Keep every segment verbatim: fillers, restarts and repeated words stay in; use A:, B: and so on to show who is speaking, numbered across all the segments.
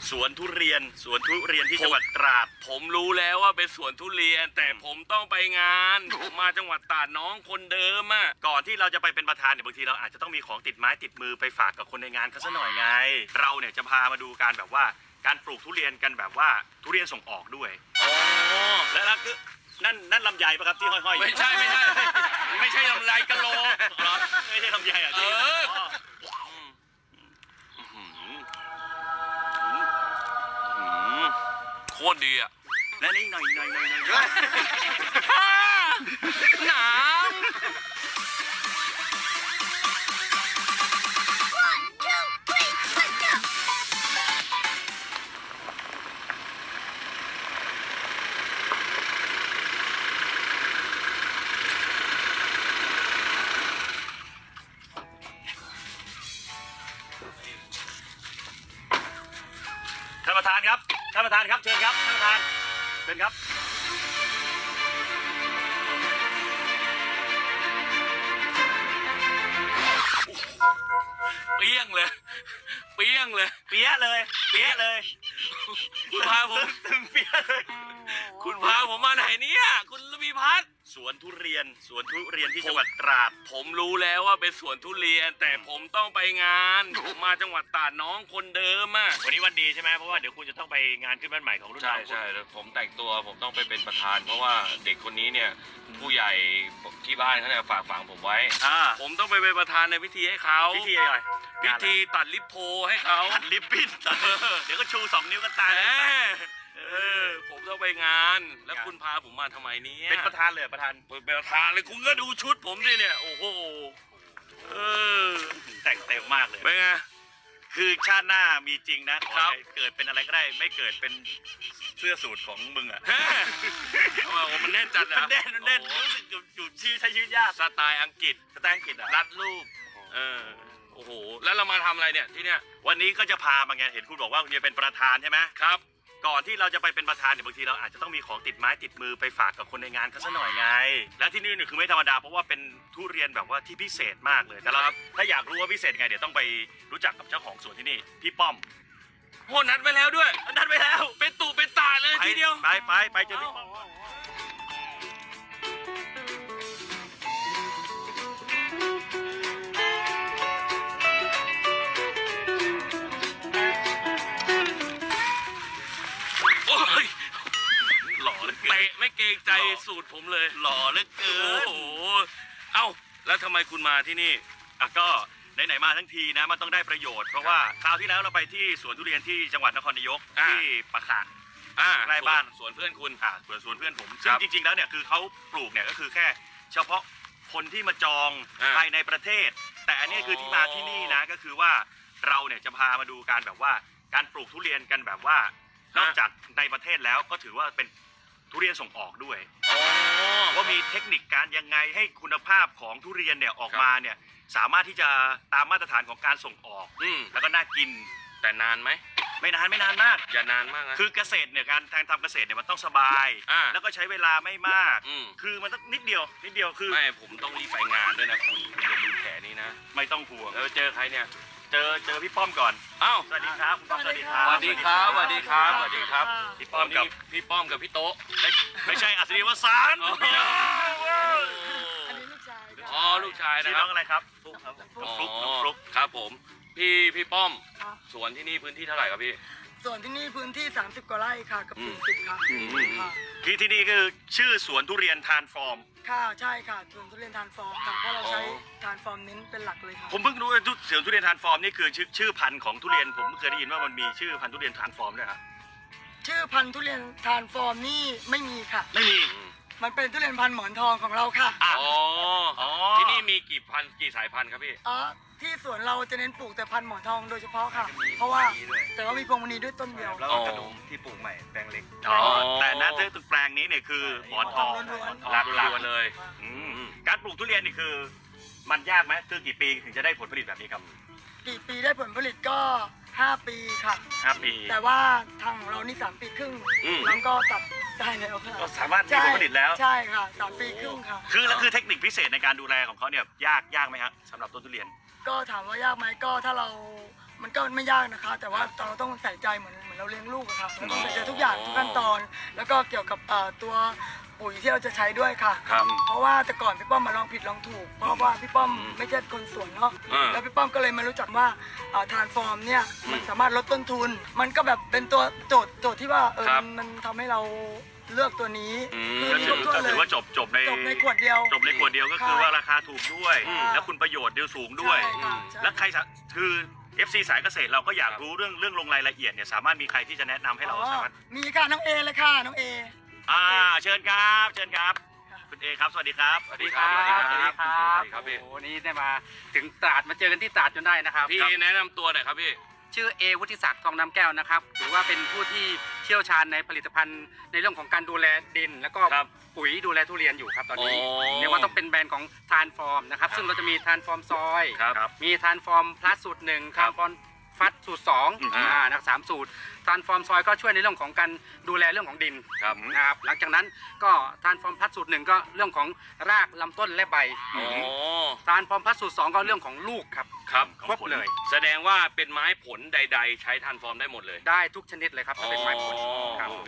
A: สวนทุเรียนสวนทุเรียนที่จังหวัดตราด
B: ผมรู้แล้วว่าเป็นสวนทุเรียนแต่ผมต้องไปงานผมมาจังหวัดตราดน้องคนเดิมอ่ะ
A: ก่อนที่เราจะไปเป็นประธานเนี่ยบางทีเราอาจจะต้องมีของติดไม้ติดมือไปฝากกับคนในงานเขาซะหน่อยไงเราเนี่ยจะพามาดูการแบบว่าการปลูกทุเรียนกันแบบว่าทุเรียนส่งออกด้วย
B: อ๋อ
A: แล้วนั่นคือนั่นนั่นลำไยปะครับที่ห้อยๆ
B: ไม่ใช่ไม่ใช่ไม่ใช่ลำไรกะโหลก
A: ไม่ใช่ลำไยอ่ะ
B: เออโคตรดีอ่ะ
A: และนี่หน่อยหน่อยหน่อยหน่อย
B: หนาว
A: ท่านประธานครับท่านประธานครับเชิญครับท่านประธานเชิญครับ
B: เปี้ยงเลยเปี้ยงเลย
A: เปี้ยเลยเปี้ยเลย
B: คุณพาผม
A: ตึงเปี้ยเลย
B: คุณพาผมมาไหนเนี่ยคุณระพีพัฒน์
A: สวนทุเรียนสวนทุเรียนที่จังหวัดตราด
B: ผมรู้แล้วว่าเป็นสวนทุเรียนแต่ผมต้องไปงานผมมาจังหวัดตราดน้องคนเดิมอ่ะ
A: วันนี้วันดีใช่ไหมเพราะว่าเดี๋ยวคุณจะต้องไปงานขึ้นบ้านใหม่ของรุ่นน้อง
B: ใช่ใช่ผมแต่งตัวผมต้องไปเป็นประธานเพราะว่าเด็กคนนี้เนี่ยผู้ใหญ่ที่บ้านเขาเนี่ยฝากฝังผมไว้
A: อ่า
B: ผมต้องไปเป็นประธานในพิธีให้เขา
A: พิธีอะไร
B: พิธีตัดลิปโพให้เขา
A: ตัดลิปบิ้นเดี๋ยวก็ชูสองนิ้วกันตาย
B: เออผมต้องไปงานแล้วคุณพาผมมาทำไมเนี่ย
A: เป็นประธานเลยประธาน
B: เป็นประธานเลยคุณก็ดูชุดผมดิเนี่ยโอ้โหเออ
A: แต่งเต็มมากเลย
B: เป็นไง
A: คือชาติหน้ามีจริงนะขอให้เกิดเป็นอะไรก็ได้ไม่เกิดเป็นเสื้อสูทของมึงอ่ะ
B: ทำไมมันแน่นจัดนะ
A: มันแน่นมันแน่นรู้สึกอยู่ชีวิตใช้ชีวิตยาก
B: สไตล์อังกฤษ
A: สไตล์อังกฤษอ่ะ
B: รัดรูปเออโอ้โหแล้วเรามาทำอะไรเนี่ยที่เนี้ย
A: วันนี้ก็จะพามาไงเห็นคุณบอกว่าคุณจะเป็นประธานใช่ไหม
B: ครับ
A: ก่อนที่เราจะไปเป็นประธานเนี่ยบางทีเราอาจจะต้องมีของติดไม้ติดมือไปฝากกับคนในงานเขาซะหน่อยไงและที่นี่เนี่ยคือไม่ธรรมดาเพราะว่าเป็นทุเรียนแบบว่าที่พิเศษมากเลยแต่เราถ้าอยากรู้ว่าพิเศษไงเดี๋ยวต้องไปรู้จักกับเจ้าของสวนที่นี่พี่ป้อม
B: โหนัดไว้แล้วด้วย
A: นัดไว้แล้ว
B: เป็นตู่เป็นตาเลยทีเดียว
A: ไปไปไปเจอพี่ป้อม
B: เตะไม่เกรงใจสูตรผมเลย
A: หล่อเหลือเกิน
B: โอ้โหเอ้าแล้วทำไมคุณมาที่นี่
A: อ่ะก็ไหนๆมาทั้งทีนะมันต้องได้ประโยชน์เพราะว่าคราวที่แล้วเราไปที่สวนทุเรียนที่จังหวัดนครนายกที่ปะขะใกล้บ้าน
B: สวนเพื่อนคุณ
A: อ่ะสวนสวนเพื่อนผมซึ่งจริงๆแล้วเนี่ยคือเขาปลูกเนี่ยก็คือแค่เฉพาะคนที่มาจองภายในประเทศแต่อันนี้คือที่มาที่นี่นะก็คือว่าเราเนี่ยจะพามาดูการแบบว่าการปลูกทุเรียนกันแบบว่านอกจากในประเทศแล้วก็ถือว่าเป็นทุเรียนส่งออกด้วยว่ามีเทคนิคการยังไงให้คุณภาพของทุเรียนเนี่ยออกมาเนี่ยสามารถที่จะตามมาตรฐานของการส่งออกแล้วก็น่ากิน
B: แต่นานไหม
A: ไม่นานไม่นานมาก
B: อย่านานมากนะ
A: คือเกษตรเนี่ยการทำเกษตรเนี่ยมันต้องสบายแล้วก็ใช้เวลาไม่มากคือมันต้องนิดเดียวนิดเดียวคือ
B: ไม่ผมต้องรีบไปงานด้วยนะคุณคุณอย่าลืมแผลนี้นะ
A: ไม่ต้องห่วง
B: แล้วเจอใครเนี่ย
A: เจอเจอพี่ป้อมก่อน
B: อ้าว
A: สวัสดีครับคุณป้อมสวัสดีครับ
B: สวัสดีครับสวัสดีครับสวัสดีครับ
A: พี่ป้อมกับ
B: พี่ป้อมกับพี่โต๊ะ
A: ไม่ใช่อัศรีวสาน
C: อันนี้ลูกชาย
B: อ๋อลูกชายนะ
A: ชื่อน้องอะไรครับฟลุ๊กครับฟลุ๊กฟลุ๊ก
B: ครับผมพี่พี่ป้อมสวนที่นี่พื้นที่เท่าไหร่ครับพี่
C: ส่วนที่นี่พื้นที่สามสิบกว่าไร่ค่ะกับสี่สิบค่ะ
A: ที่ที่นี่คือชื่อสวนทุเรียนทานฟอร์ม
C: ค่ะใช่ค่ะสวนทุเรียนทานฟอร์มค่ะเพราะเราใช้ทานฟอร์มเน้นเป็นหลักเลยค่ะ
A: ผมเพิ่งรู้ว่าสวนทุเรียนทานฟอร์มนี่คือชื่อชื่อพันธุ์ของทุเรียนผมเคยได้ยินว่ามันมีชื่อพันธุ์ทุเรียนทานฟอร์มด้วยครับ
C: ชื่อพันธุ์ทุเรียนทานฟอร์มนี่ไม่มีค่ะ
A: ไม่มี
C: มันเป็นทุเรียนพันธุ์หมอนทองของเราค่ะ
B: อ๋อที่นี่มีกี่พันกี่สายพันธุ์ครับพี่
C: อ๋อที่สวนเราจะเน้นปลูกแต่พันธุ์หมอนทองโดยเฉพาะค่ะเพราะว่าแต่ว่ามีพวงมณีด้วยต้นเดียว
A: แล้วก็กระดุมที่ปลูกใหม่แปลงเล็กแต่ณตึกแปลงนี้เนี่ยคือหมอนทอง
B: หลักหลักเลย
A: การปลูกทุเรียนนี่คือมันยากไหมคือกี่ปีถึงจะได้ผลผลิตแบบนี้ครับ
C: กี่ปีได้ผลผลิตก็ห้าปีค่ะ
A: ห้าปี
C: แต่ว่าทางของเรานี่สามปีครึ่งแล้วก็ตัดได้แล้วค่ะ
A: ก็สามารถมีผลผลิตแล้ว
C: ใช่ค่ะสามปีครึ่งค่ะ
A: คือแล้วคือเทคนิคพิเศษในการดูแลของเขาเนี่ยยากยากไหมฮะสำหรับต้นทุเรียน
C: ก็ถามว่ายากไหมก็ถ้าเรามันก็ไม่ยากนะคะ แต่ว่าเราต้องใส่ใจเหมือนเหมือนเราเลี้ยงลูกอะค่ะเราต้องใส่ใจทุกอย่างทุกขั้นตอน แล้วก็เกี่ยวกับเอ่อตัวปุ๋ยที่เราจะใช้ด้วยค่ะ
B: ครับ
C: เพราะว่าแต่ก่อนพี่ป้อมมาลองผิดลองถูก เพราะว่าพี่ป้อมไม่ใช่คนสวนเนาะ
B: อืม
C: แล้วพี่ป้อมก็เลยมารู้จักว่าทานฟอร์มเนี่ยมันสามารถลดต้นทุน มันก็แบบเป็นตัวโจทย์โจทย์ที่ว่าเออ
B: ครับ
C: มันทำให้เราเลือกตัวนี้
B: อืม
C: คือ
A: ก็
C: มี
A: ถื
C: คร
A: อบ
C: ถ้วน
A: ก็
C: เล
A: ถื
C: ย
A: อว่าจบจบใน
C: จบในขวดเดียว
A: จบในขวดเดียวก็คือว่าราคาถูกด้วย
C: อืม
A: แล้วคุณประโยชน์เดียวสูงด้วย
C: ใช่ค่ะใช่
A: แล้วใครสะคือ เอฟ ซี สายเกษตรเราก็อยากรู้เรื่องเรื่องลงรายละเอียดเนี่ยสามารถมีใครที่จะแนะนำให้เรา
C: อ๋อ
A: สามารถ
C: มีค่ะน้องเอเลยค่ะน้องเอ
A: อ่าเชิญครับเชิญครับคุณเอครับสวัสดีครับ
D: สวัสดีครับ
B: สวัสดีครับ
D: สวัสดีครับ
B: สวัสดีครับพี่
D: โอ้โหนี่ได้มาถึงตราดมาเจอกันที่ตราดจนได้นะครับ
B: พี่แนะนำตัวหน่อยครับพี่
D: ชื่อเอวุฒิศักดิ์ทองน้ำแก้วนะครับถือว่าเป็นผู้ที่เชี่ยวชาญในผลิตภัณฑ์ในเรื่องของการดูแลดิน แล้วก็
B: ครับ
D: ปุ๋ยดูแลทุเรียนอยู่ครับตอนนี้
B: อ๋อ
D: เรียกว่าต้องเป็นแบรนด์ของทานฟอร์มนะครับซึ่งเราจะมีทานฟอร์มซอย
B: ครับ
D: มีทานฟอร์มพลัสสูตรหนึ่ง
B: ครั
D: ทา
B: บ
D: นฟอร์มฟัดสูตรสอง
A: อืม
D: อ่านะครับสามสูตรทานฟอร์มซอยก็ช่วยในเรื่องของการดูแลเรื่องของดิน
B: ครับ
D: นะครับหลังจากนั้นก็ทานฟอร์มพลัสสูตรหนึ่งก็เรื่องของรากลำต้นและใบ
B: อ๋อ
D: ทานฟอร์มพลัสสูตรสองก็เรื่องของลูกครับ
B: ครับ
D: ครบเลย
B: แสดงว่าเป็นไม้ผลใด ๆ ใช้ทานฟอร์มได้หมดเลย
D: ได้ทุกชนิดเลยครับถ้าเป็นไม้ผล
B: อ๋อ
D: ครับ
B: โอเค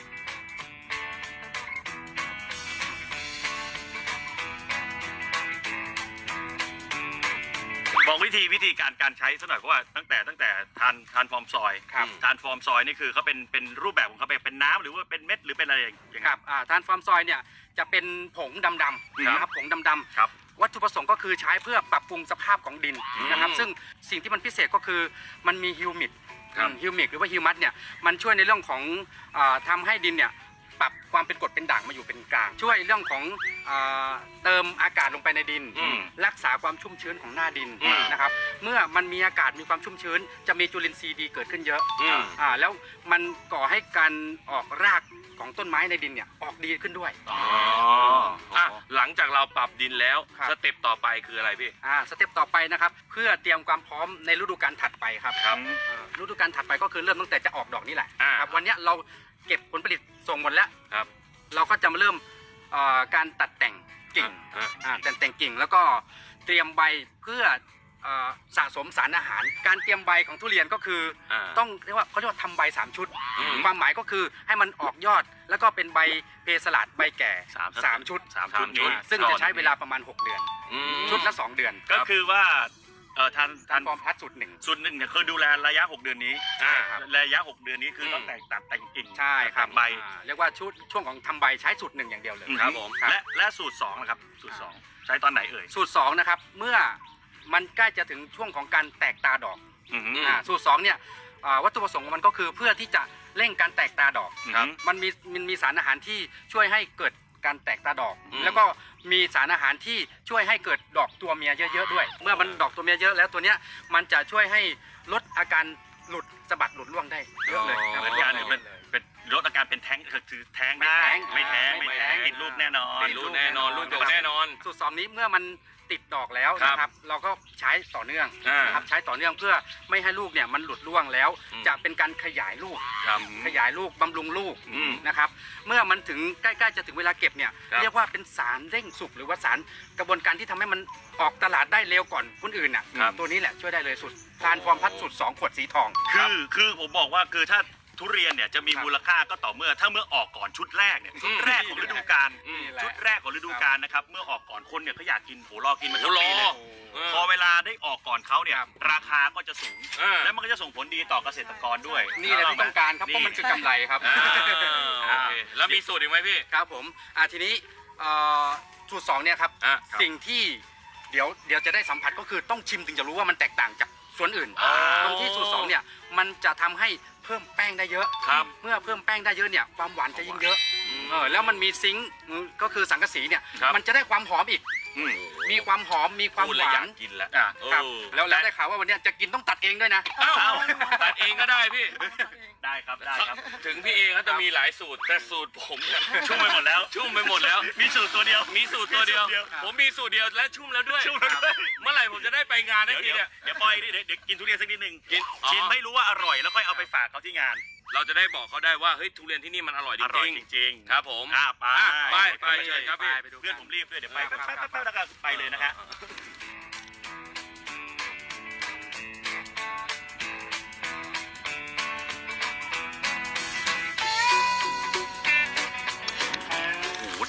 A: บอกวิธีวิธีการการใช้สักหน่อยเพราะว่าตั้งแต่ตั้งแต่ทานทานฟอร์มซอย
D: ครับ
A: ทานฟอร์มซอยนี่คือเขาเป็นเป็นรูปแบบของเขาเป็นเป็นน้ำหรือว่าเป็นเม็ดหรือเป็นอะไรอย่างเงี้ย
D: ครับอ่าทานฟอร์มซอยเนี่ยจะเป็นผงดำๆ
A: ครับ
D: นะครับผงดำ
A: ครับ
D: ๆวัตถุประสงค์ก็คือใช้เพื่อปรับปรุงสภาพของดินนะครับ
B: อืม
D: ซึ่งสิ่งที่มันพิเศษก็คือมันมีฮิวมิด
B: ครับ
D: ฮิวมิกหรือว่าฮิวมัสเนี่ยมันช่วยในเรื่องของอาทำให้ดินเนี่ยปรับความเป็นกรดเป็นด่างมาอยู่เป็นกลาง ช่วยเรื่องของอาเติมอากาศลงไปในดิน
B: อืม
D: รักษาความชุ่มชื้นของหน้าดิน
B: อืม
D: นะครับเมื่อมันมีอากาศมีความชุ่มชื้น จะมีจุลินทรีย์ดีเกิดขึ้นเยอะ
B: อืม
D: อ่าแล้วมันก่อให้การออกรากของต้นไม้ในดินเนี่ยออกดีขึ้นด้วย
B: อ๋ออ่ะหลังจากเราปรับดินแล้ว
D: ครับ
B: สเต็ปต่อไปคืออะไรพี่
D: อ่าสเต็ปต่อไปนะครับเพื่อเตรียมความพร้อมในฤดูกาลถัดไปครับ
B: ครับ
D: อ่าฤดูกาลถัดไปก็คือเริ่มตั้งแต่จะออกดอกนี่แหละ
B: อ่า
D: ครับวันเนี้ยเราเก็บผลผลิตส่งหมดแล้ว
B: ครับ
D: เราก็จะมาเริ่มเอ่อการตัดแต่งกิ่ง
B: อ่ะ
D: อ่าแต่งแต่งกิ่งแล้วก็เตรียมใบเพื่อเอ่อสะสมสารอาหาร การเตรียมใบของทุเรียนก็คือ
B: อ่า
D: ต้องเรียกว่าเขาเรียกว่าทำใบสามชุด
B: อืม
D: ความหมายก็คือให้มันออกยอด แล้วก็เป็นใบเพสลัดใบแก่
A: สาม
D: สามชุด
A: สามชุดนี้
D: อ่าซึ่งจะใช้เวลาประมาณหกเดือน
B: อืม
D: ชุดละสองเดือน
A: ก็คือว่าเอ่อทาน
D: ทา
A: ทาน น
D: ฟอร์มพลัสสูตรหนึ่ง
A: ส่วนหนึ่งเนี่ยคือดูแลระยะหกเดือนนี้
B: อ่า
A: ระยะหกเดือนนี้คือ
B: ม
A: ต้องแต่งตัดแต่งกิ่ง
D: ใช่ครับ
A: แต่งใบ
D: อ่าเรียกว่าชุดช่วงของทำใบใช้สูตรหนึ่งอย่างเดียวเลย
B: ครับผม
A: และและสูตรสองนะครับสูตรสองใช้ตอนไหนเอ่ย
D: สูตรสองนะครับเมื่อมันใกล้จะถึงช่วงของการแตกตาดอก
A: อือหือ
D: อ่าสูตรสองเนี่ยอ่าวัตถุประสงค์ของมันก็คือเพื่อที่จะเร่งการแตกตาดอก
A: ครับ
D: มันมีมันมีสารอาหารที่ช่วยให้เกิดการแตกตาดอก
B: อืม
D: แล้วก็มีสารอาหารที่ช่วยให้เกิดดอกตัวเมียเยอะๆด้วย เมื่อมันดอกตัวเมียเยอะแล้วตัวเนี้ยมันจะช่วยให้ลดอาการหลุดสะบัดหลุดร่วงได้เยอะเลยครับ
A: เหมือนกันเป็นเป็นลดอาการเป็นแท้งคือแท้งได้
D: ไม่
A: ไม่
D: แท้
A: แท้ง
D: ง
A: ไม่แท้ง
D: ไม่แท้ง
A: ติดลูกแน่นอน
B: เป็นรุ่นแน่นอนรุ่นโตแน่นอน
D: สูตรสองนี้เมื่อมันติดดอกแล้ว
B: ครับ
D: นะครับเราก็ใช้ต่อเนื่อง
B: อ่าน
D: นะครับใช้ต่อเนื่องเพื่อไม่ให้ลูกเนี่ยมันหลุดร่วงแล้ว
B: อืม
D: จะเป็นการขยายลูก
B: ครับ
D: ขยายลูกบำรุงลูก
B: อืม
D: นะครับเมื่อมันถึงใกล้ๆจะถึงเวลาเก็บเนี่ย
B: ครับ
D: เรียกว่าเป็นสารเร่งสุกหรือว่าสารกระบวนการที่ทำให้มันออกตลาดได้เร็วก่อนคนอื่นน่ะ
B: ครับ
D: ตัวนี้แหละช่วยได้เลยสุดทานฟอร์มพัดสุดสองขวดสีทอง
A: คือคือผมบอกว่าคือถ้าทุเรียนเนี่ยจะมี
D: ครับ
A: มูลค่าก็ต่อเมื่อถ้าเมื่อออกก่อนชุดแรกเนี่ยชุดแรกของฤดูกาล
B: อืม
D: นี่แหละ
A: ชุดแรกของฤดูกาลนะครับเมื่อออกก่อนคนเนี่ยเขาอยากกินโหรอกินมาทั้ง
B: โอ้
A: ปี
B: ร
A: เล
B: อย เออ
A: พอเวลาได้ออกก่อนเขาเนี่ย
D: ครับ
A: ราคาก็จะสูง
B: อ่า
A: และมันก็จะส่งผลดีต่อเกษตรกรด้วย
D: นี่แหละที่ต้องการครับเพราะมันคือกำไรครับ
B: อ่าโอเคแล้วมีสูตรอีกไหมพี่
D: ครับผมอ่าทีนี้เอ่อสูตรสองเนี่ยครับ
B: อ่ะ
D: สิ่งที่เดี๋ยวเดี๋ยวจะได้สัมผัสก็คือต้องชิมถึงจะรู้ว่ามันแตกต่างจากส่วนอื่น
B: อ๋อ
D: ตรงที่สูตรสองเนี่ยมันจะทำให้เพิ่มแป้งได้เยอะ
B: ครับ
D: เมื่อเพิ่มแป้งได้เยอะเนี่ยความหวานจะยิ่งเยอะ
B: อืม
D: เออแล้วมันมีซิงค์ก็คือสังกะสีเนี่ย
B: ครับ
D: มันจะได้ความหอมอีก
A: อืม
D: มีความหอมมีความ
B: พูด
D: ห
B: แล้ว
D: วา
B: อยาน กกินแล้ว
A: อ่ะ
D: ครับ
B: โอ้
D: แล้วแล้วได้ข่าวว่าวันเนี้ยจะกินต้องตัดเองด้วยนะ
B: เอ้าตัดเองก็ได้พี่
A: ได้ครับได้ครับ
B: ถึงพี่เองเขาจะมีหลายสูตรแต่สูตรผมเนี่ย
A: ชุ่มไปหมดแล้ว
B: ชุ่มไปหมดแล้ว
A: มีสูตรตัวเดียว
B: มีสูตรตัวเดียว
A: มีสูตรเดียว
B: ผมมีสูตรเดียวและชุ่มแล้วด้วย
A: ชุ่มแล้วด้วย
B: เมื่อไหร่ผมจะได้ไปงานได้
A: เดี๋ยว
B: ที
A: เดี๋ยว
B: เนี่ย
A: เดี๋ยวปล่อยดิเดี๋ยวเดี๋ยวกินทุเรียนสักนิดหนึ่ง
B: กินอ๋อ
A: ชิมให้รู้ว่าอร่อยแล้วค่อยเอาไปฝากเขาที่งาน
B: เราจะได้บอกเขาได้ว่าเฮ้ยทุเรียนที่นี่มันอร่อยจ
A: อร่อย
B: ริง
A: จริง
B: ๆครับผม
A: อ่ะไป
B: อ่ะไปไปเชิญครับพี่
D: ไปดูกัน
A: เพื่อนผมรีบด้วยเดี๋ยวไป
D: ครับ
A: แป๊บ
D: ครับ
A: แป๊บแป๊บแล้วก็ไปเลยนะฮะ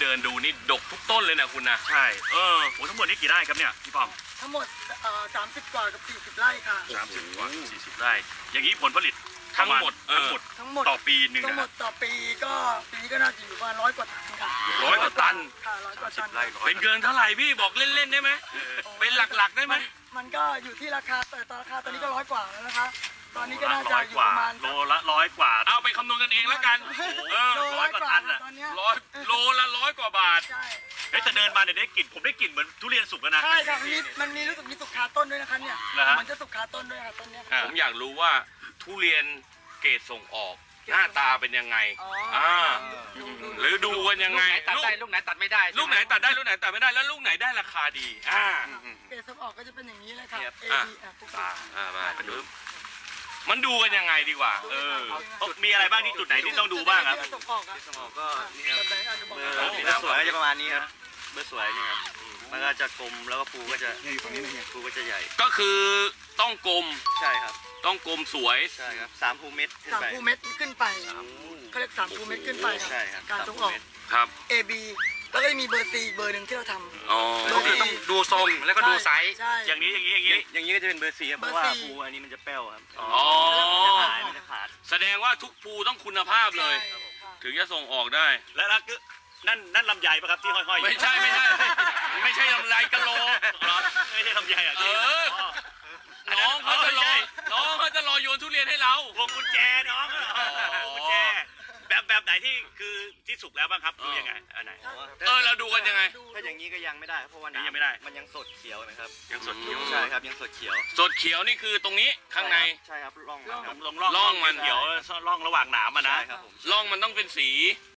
B: ดินดูนี่ดกทุกต้นเลยนะคุณนะ
A: ใช่เออโอ้ทั้งหมดนี่กี่ไร่ครับเนี่ยพี่ป้อม
C: ทั้งหมดเอ่อสามสิบกว่ากับสี่สิบไร่ค่ะ
A: สามสิบกว่าสี่สิบไร่อย่างนี้ผลผลิต
B: ทั้งหมด
A: ทั้งหมด
C: ทั้งหมด
A: ต่อปีหนึ่ง
C: ทั้ง
A: นะ
C: หมดต่อปีก็ปีนี้ก็น่าจะอยู่ประมาณร้อยกว่าตันค่ะ
B: ร้อยกว่าตัน
C: ค่ะร้อยกว่าตัน
A: ไร่ร้อย
B: เป็นเกินเท่าไหร่พี่บอกเล่นๆได้ไหมเป็นหลักๆได้ไหม
C: นมันก็อยู่ที่ราคาแต่ตอนราคาตอนนี้ก็ร้อยกว่าแล้วนะคะ ตอนนี้ก็น่าจะ
A: ร้อย
C: อยู่
A: กว่า
C: ประมาณ
A: โลละร้อยกว่า
B: เอาไปคำนวณกันเองแล้วกันเออ
C: โล
A: ร้
C: ร้
A: อ
C: อย ย
A: ก
C: ก
A: ว่า
C: ว่า
A: ตันน่ะ
C: ตอนเนี้ย
B: ร้อยโลละร้อยกว่าบาท
C: ใช่
A: เฮ้ยแต่เดินมาเนี่ยได้กลิ่นผมได้กลิ่นเหมือนทุเรียนสุกแล้วนะ
C: ใช่ค่ะมันมีมันมีรู้สึกมีสุกคาต้นด้วยนะคะเนี่ย
A: เหรอฮะ
C: มันจะสุกคาต้นด้วยค่ะต้นเนี้ย
A: อ่า
B: ผมอยากรู้ว่าทุเรียนเกรดส่งออก หน้าตาเป็นยังไง
C: อ๋อ
B: อ่า
C: ดูดู
B: หรือดูกันยังไง
D: ลูกไหนตัดได้ลูกไหนตัดไม่ได้
B: ลูกไหนตัดได้ลูกไหนตัดไม่ได้แล้วลูกไหนได้ราคาดีอ่า
C: เกรดส่งออกก็จะเป็นอย่างนี้เลยค่ะ
A: ครับ
C: A
B: อ่ะ
C: B อ่ะปุ๊บ
B: อ่าอ่ามาดูมันดูกันยังไงดีกว่า
A: เออเอ้ามีอะไรบ้างที่จุดไหนที่ต้องดูบ้างครับ
C: เกรดส่งออกอะ
E: สมองก็นี่ครับ
C: แบบไหนอ่ะจะบอก
E: เบอร์
C: ได้
E: เบอร์สวยก็จะประมาณนี้ครับเบอร์สวยนี่ครับมันก็จะกลมแล้วก็ภูก็จะภูก็จะใหญ่
B: ก็คือต้องกลม
E: ใช่ครับ
B: ต้องกลมสวย
E: ใช่ครับสามภูเม็ดขึ้น
C: สาม
E: ไป
C: ภูเม็ดขึ้นไปเขาเรียกสามภูเม็ดขึ้นไป
E: ใช่ครับ
C: การส่งออก
E: สามภูเม็ด
B: ครับ
C: A B แล้วก็จะมีเบอร์ C อีกเบอร์หนึ่งที่เราทำ
B: อ๋อ
D: ก็คือต้องดูทรงแล้วก็ดูไซส์
C: ใช่
A: อย่างนี้อย่างนี้อย่างนี้
E: อย่างนี้ก็จะเป็นเบอร์สี่ครับเพราะว่า
C: เบอร์สี่
E: ภูอันนี้มันจะแป้วครับ
A: อ๋อ
B: อ๋อ
E: มันจะหายมันจะขาด
B: แสดงว่าทุกภูต้องคุณภาพเลย
C: ใช่ค่ะ
B: ถึงจะส่งออกได้
A: แล้วแล้วก็นั่นนั่นลำไยปะครับที่ห้อยๆอยู่
B: ไม่ใช่ไม่ใช่ ไม่ใช่ลำไรกะโหลก
A: เหรอไม่ใช่ลำไยอ่ะ
B: เออ
A: อัน
B: น้
A: นั้
B: องเขาจะรอ
A: ไม่ใช่
B: น้องเขาจะรอโยนทุเรียนให้เรา
A: พวงกุญแจน้องเหรอพวงกุญแจแบบแบบไหนที่คือที่สุกแล้วบ้างครับดูยังไงอันไหน
B: เออเราดูกันยังไง
E: ถ้าอย่างนี้ก็ยังไม่ได้ครับเพราะว่า
A: ยัง
E: น้ำ
A: ไม่ได้
E: มันยังสดเขียวนะครับ
A: ยังสดเขียว
E: ใช่ครับยังสดเขียว
B: สดเขียวนี่คือตรงนี้ข้างใน
E: ใช่ครับร่องมันครับ
A: ลงร่อง
B: ร่องมัน
A: เขียวร่องระหว่างหนามอ่ะนะ
E: ใช่ครับผม
B: ร่องมันต้องเป็นสี